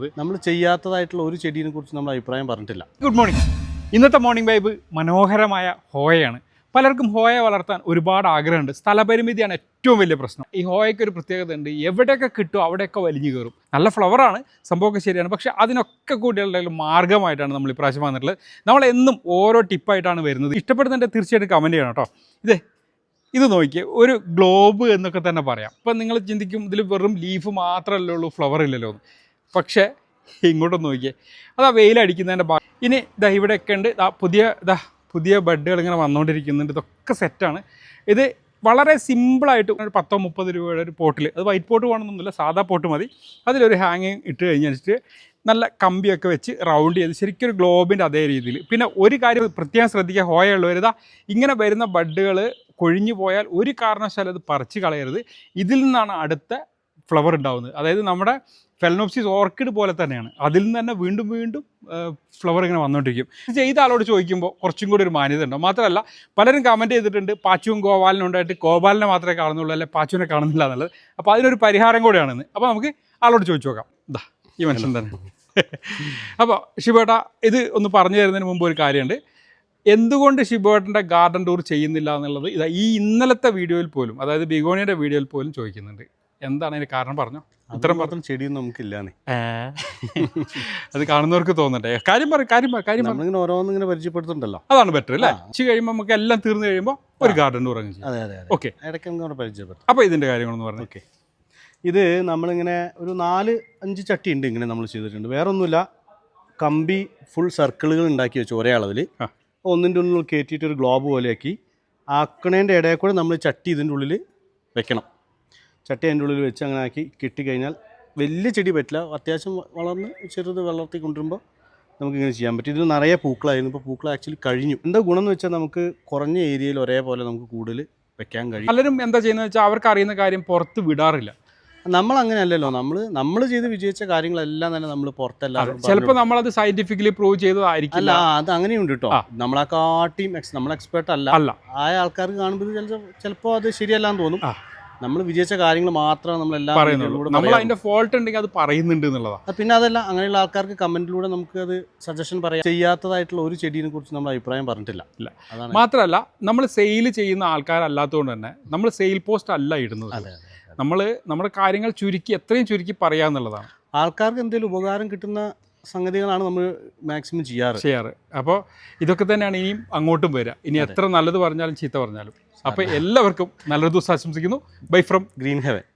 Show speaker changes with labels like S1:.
S1: നമ്മൾ ചെയ്യാത്തതായിട്ടുള്ള ഒരു ചെടീനെ കുറിച്ച് നമ്മൾ അഭിപ്രായം പറഞ്ഞിട്ടില്ല.
S2: Good morning. ഇന്നത്തെ മോർണിംഗ് വൈബ് മനോഹരമായ ഹോയയാണ്. പലർക്കും ഹോയ വളർത്താൻ ഒരുപാട് ആഗ്രഹമുണ്ട്. സ്ഥലപരിമിതിയാണ് ഏറ്റവും വലിയ പ്രശ്നം. ഈ ഹോയയ്ക്ക് ഒരു പ്രത്യേകത ഉണ്ട്, എവിടെയൊക്കെ കിട്ടും അവിടെയൊക്കെ വലിഞ്ഞു കയറും. നല്ല ഫ്ലവറാണ്, സംഭവമൊക്കെ ശരിയാണ്. പക്ഷേ അതിനൊക്കെ കൂടിയുള്ള മാർഗ്ഗമായിട്ടാണ് നമ്മൾ ഇപ്രാവശ്യം വന്നിട്ടുള്ളത്. നമ്മളെന്നും ഓരോ ടിപ്പായിട്ടാണ് വരുന്നത്. ഇഷ്ടപ്പെടുന്നതിൻ്റെ തീർച്ചയായിട്ടും കമൻറ്റ് ചെയ്യണം കേട്ടോ. ഇത് നോക്കിയേ, ഒരു ഗ്ലോബ് എന്നൊക്കെ തന്നെ പറയാം. ഇപ്പം നിങ്ങൾ ചിന്തിക്കും ഇതിൽ വെറും ലീഫ് മാത്രമല്ലേ ഉള്ളൂ, ഫ്ലവർ ഇല്ലല്ലോ എന്ന്. പക്ഷേ ഇങ്ങോട്ടൊന്ന് നോക്കിയേ, അതാ വെയിലടിക്കുന്നതിൻ്റെ ഇനി ഇവിടെയൊക്കെ ഉണ്ട്. പുതിയ ബഡ്ഡുകൾ ഇങ്ങനെ വന്നുകൊണ്ടിരിക്കുന്നുണ്ട്. ഇതൊക്കെ സെറ്റാണ്. ഇത് വളരെ സിമ്പിളായിട്ട് ഒരു 10-30 രൂപയുടെ ഒരു പോട്ടിൽ, അത് വൈറ്റ് പോട്ട് വേണമെന്നൊന്നുമില്ല, സാധാ പോട്ട് മതി. അതിലൊരു ഹാങ്ങിങ് ഇട്ട് കഴിഞ്ഞിട്ട് നല്ല കമ്പിയൊക്കെ വെച്ച് റൗണ്ട് ചെയ്ത് ശരിക്കും ഒരു ഗ്ലോബിൻ്റെ അതേ രീതിയിൽ. പിന്നെ ഒരു കാര്യം പ്രത്യേകം ശ്രദ്ധിക്കുക, ഹോയ ഉള്ളവരിതാ ഇങ്ങനെ വരുന്ന ബഡ്ഡുകൾ കൊഴിഞ്ഞു പോയാൽ ഒരു കാരണവശാലും അത് പറിച്ച് കളയരുത്. ഇതിൽ നിന്നാണ് അടുത്ത ഫ്ലവർ ഉണ്ടാകുന്നത്. അതായത് നമ്മുടെ ഫെലനോപ്സിസ് ഓർക്കിഡ് പോലെ തന്നെയാണ്. അതിൽ നിന്ന് തന്നെ വീണ്ടും വീണ്ടും ഫ്ലവർ ഇങ്ങനെ വന്നുകൊണ്ടിരിക്കും. ഇത് ചെയ്ത ആളോട് ചോദിക്കുമ്പോൾ കുറച്ചും കൂടി ഒരു മാന്യത ഉണ്ടാവും. മാത്രമല്ല പലരും കമൻറ്റ് ചെയ്തിട്ടുണ്ട് പാച്ചുവും ഗോപാലിനും ഉണ്ടായിട്ട് ഗോപാലിനെ മാത്രമേ കാണുന്നുള്ളൂ, അല്ലെ പാച്ചുവിനെ കാണുന്നില്ല എന്നുള്ളത്. അപ്പോൾ അതിനൊരു പരിഹാരം കൂടെയാണെന്ന്. അപ്പോൾ നമുക്ക് ആളോട് ചോദിച്ചു നോക്കാം. ഈ മനുഷ്യൻ തന്നെ. അപ്പോൾ ഷിബേട്ട, ഇത് ഒന്ന് പറഞ്ഞു തരുന്നതിന് മുമ്പ് ഒരു കാര്യമുണ്ട്. എന്തുകൊണ്ട് ഷിബേട്ടൻ്റെ ഗാർഡൻ ടൂർ ചെയ്യുന്നില്ല എന്നുള്ളത് ഈ ഇന്നലത്തെ വീഡിയോയിൽ പോലും, അതായത് ബിഗോണിയുടെ വീഡിയോയിൽ പോലും ചോദിക്കുന്നുണ്ട്. എന്താണ് അതിന് കാരണം? പറഞ്ഞോ.
S1: ഇത്ര മാത്രം ചെടിയൊന്നും നമുക്കില്ലാന്നേ.
S2: അത് കാണുന്നവർക്ക് തോന്നട്ടെ. കാര്യം
S1: നമ്മളിങ്ങനെ ഓരോന്നിങ്ങനെ പരിചയപ്പെടുത്തുന്നുണ്ടല്ലോ,
S2: അതാണ് ബെറ്റർ അല്ലേ? കഴിയുമ്പോൾ നമുക്ക് എല്ലാം തീർന്നു കഴിയുമ്പോൾ ഒരു ഗാർഡൻ ടൂർ അങ്ങ് ചെയ്യും.
S1: അതെ.
S2: ഓക്കെ,
S1: ഇടയ്ക്ക് നമുക്ക് പരിചയപ്പെടുത്തും.
S2: അപ്പോൾ ഇതിൻ്റെ കാര്യങ്ങളൊന്ന് പറഞ്ഞു.
S1: ഓക്കെ, ഇത് നമ്മളിങ്ങനെ ഒരു 4-5 ചട്ടി ഉണ്ട് ഇങ്ങനെ നമ്മൾ ചെയ്തിട്ടുണ്ട്. വേറെ ഒന്നുമില്ല, കമ്പി ഫുൾ സർക്കിളുകൾ ഉണ്ടാക്കി വെച്ചു ഒരേ അളവിൽ. ഒന്നിൻ്റെ ഉള്ളിൽ കയറ്റിയിട്ട് ഒരു ഗ്ലോബ് പോലെയാക്കി ആക്കണേൻ്റെ ഇടയിൽ കൂടെ നമ്മൾ ചട്ടി ഇതിൻ്റെ ഉള്ളിൽ വെക്കണം. ചട്ടി അതിൻ്റെ ഉള്ളിൽ വെച്ച് അങ്ങനെ ആക്കി കിട്ടിക്കഴിഞ്ഞാൽ വലിയ ചെടി പറ്റില്ല, അത്യാവശ്യം വളർന്ന് ചെറുത് വളർത്തി കൊണ്ടുവരുമ്പോൾ നമുക്കിങ്ങനെ ചെയ്യാൻ പറ്റും. ഇതിൽ നിറയെ പൂക്കളായിരുന്നു. ഇപ്പോൾ പൂക്കൾ ആക്ച്വലി കഴിഞ്ഞു. എന്താ ഗുണം എന്ന് വെച്ചാൽ നമുക്ക് കുറഞ്ഞ ഏരിയയിൽ ഒരേപോലെ നമുക്ക് കൂടുതൽ വെക്കാൻ കഴിയും.
S2: പലരും എന്താ ചെയ്യുന്നത് വെച്ചാൽ അവർക്ക് അറിയുന്ന കാര്യം പുറത്ത് വിടാറില്ല.
S1: നമ്മൾ അങ്ങനെയല്ലല്ലോ. നമ്മൾ ചെയ്ത് വിജയിച്ച കാര്യങ്ങളെല്ലാം തന്നെ നമ്മൾ പുറത്തെല്ലാം
S2: ചിലപ്പോൾ നമ്മളത് സയന്റിഫിക്കലി പ്രൂവ് ചെയ്തതായിരിക്കും.
S1: അല്ല, അത് അങ്ങനെയുണ്ട് കേട്ടോ. നമ്മളെ കാട്ടിയും നമ്മൾ എക്സ്പേർട്ട് അല്ല. ആയ ആൾക്കാർക്ക് കാണുമ്പോൾ ചിലപ്പോൾ അത് ശരിയല്ലാന്ന് തോന്നും. നമ്മൾ വിജയിച്ച കാര്യങ്ങൾ മാത്രമാണ് നമ്മളെല്ലാം
S2: പറയുന്നുള്ളൂ. നമ്മൾ അതിന്റെ ഫോൾട്ട് ഉണ്ടെങ്കിൽ അത് പറയുന്നുണ്ട് എന്നുള്ളതാണ്.
S1: പിന്നെ അതല്ല, അങ്ങനെയുള്ള ആൾക്കാർക്ക് കമന്റിലൂടെ നമുക്ക് അത് സജഷൻ പറയാം. ചെയ്യാത്തതായിട്ടുള്ള ഒരു ചെടീനെ കുറിച്ച് നമ്മൾ അഭിപ്രായം പറഞ്ഞിട്ടില്ല.
S2: മാത്രമല്ല നമ്മൾ സെയിൽ ചെയ്യുന്ന ആൾക്കാരല്ലാത്തതുകൊണ്ട് തന്നെ നമ്മൾ സെയിൽ പോസ്റ്റ് അല്ല ഇടുന്നത്. നമ്മൾ നമ്മുടെ കാര്യങ്ങൾ എത്രയും ചുരുക്കി പറയാന്നുള്ളതാണ്. ആൾക്കാർക്ക്
S1: എന്തെങ്കിലും ഉപകാരം കിട്ടുന്ന സംഗതികളാണ് നമ്മൾ മാക്സിമം ചെയ്യാറ്.
S2: അപ്പോൾ ഇതൊക്കെ തന്നെയാണ് ഇനിയും അങ്ങോട്ടും വരിക. ഇനി എത്ര നല്ലത് പറഞ്ഞാലും ചീത്ത പറഞ്ഞാലും. അപ്പോൾ എല്ലാവർക്കും നല്ലൊരു ദിവസം ആശംസിക്കുന്നു. Bye from
S1: green heaven.